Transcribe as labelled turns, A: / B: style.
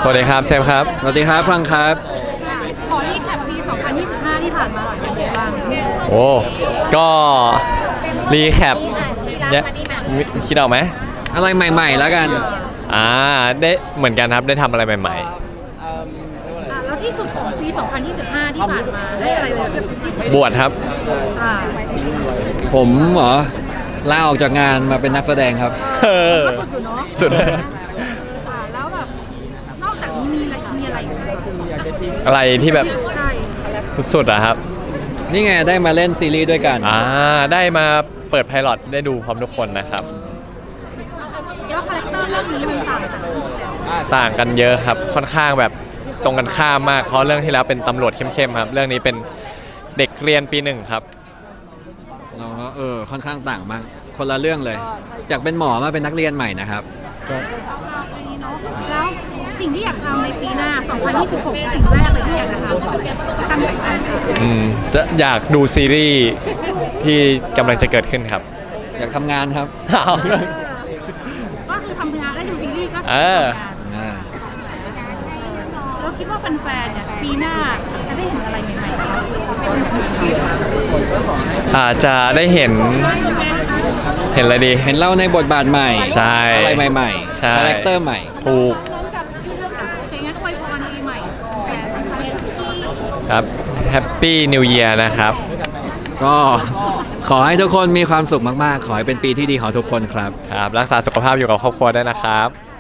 A: สวัสดีครับเซฟครับ
B: สวัสดีครับฟังครับ
C: ขอรีแคปปี 2025 ที่ผ่านมาหน่อยเป็นไงบ้าง
A: โอ้ก็รีแคปเนี่ยคิดออกไหม
B: อะไรใหม่ๆแล้วกัน
A: ได้เหมือนกันครับได้ทำอะไรใหม่
C: แล้วที่สุดของปี 2025 ที่ผ่านมาได้อะไรเลยที่สุด
A: ๆบวชครับ
C: อ่า
B: ผมเหรอลาออกจากงานมาเป็นนักแสดงครับ
C: ก็สุดอยู่เนาะ
A: สุด
C: แล้วแบบนอกจากนี้มีอะไรอีกไหม
A: อะไรที่แบบ
C: ใช่
A: สุดอะครับ
B: นี่ไงได้มาเล่นซีรีส์ด้วยกัน
A: ได้มาเปิดไพลอตได้ดูพร้อมทุกคนนะครับ
C: แล้วคาแรคเตอร์เรื่องนี้มันต่างกัน
A: ต่างกันเยอะครับค่อนข้างแบบตรงกันข้ามมากเพราะเรื่องที่แล้วเป็นตำรวจเข้มๆครับเรื่องนี้เป็นเด็กเรียนปี 1ครับ
B: เราก็ค่อนข้างต่างมากคนละเรื่องเลยจากเป็นหมอมาเป็นนักเรียนใหม่นะครับก็
C: นี้เนาะแล้วสิ่งที่อยากทำในปีหน้า 2026 สิ่งแรกเลยที่อยากจะทำตั้งใจทำ
A: จะอยากดูซีรีส์ที่กำลังจะเกิดขึ้นครับ
B: อยากทำงานครับ
C: ก็คือทำงานได้ดูซีรีส์ก็ทำ
A: เออ
C: งานแล้วคิดว่าแฟนๆเนี่ยปีหน้าจะได้เห็นอะไรใหม่ๆครับ
A: อาจจะได้เห็นอะไรดี
B: เห็นเราในบทบาทใหม่
A: ใช่
B: อะไรใหม่
A: ใช่
B: คาแรคเตอร์ใหม่
A: ถูก
C: โอเคงั้นอวยพรปีใหม่แฟนๆ
A: ครับแฮปปี้นิว e ย r นะครับ
B: ก็ขอให้ทุกคนมีความสุขมากๆ ขอให้เป็นปีที่ดีของทุกคนครับ
A: ครับ รักษาสุขภาพอยู่กับครอบครัวด้วยนะครับ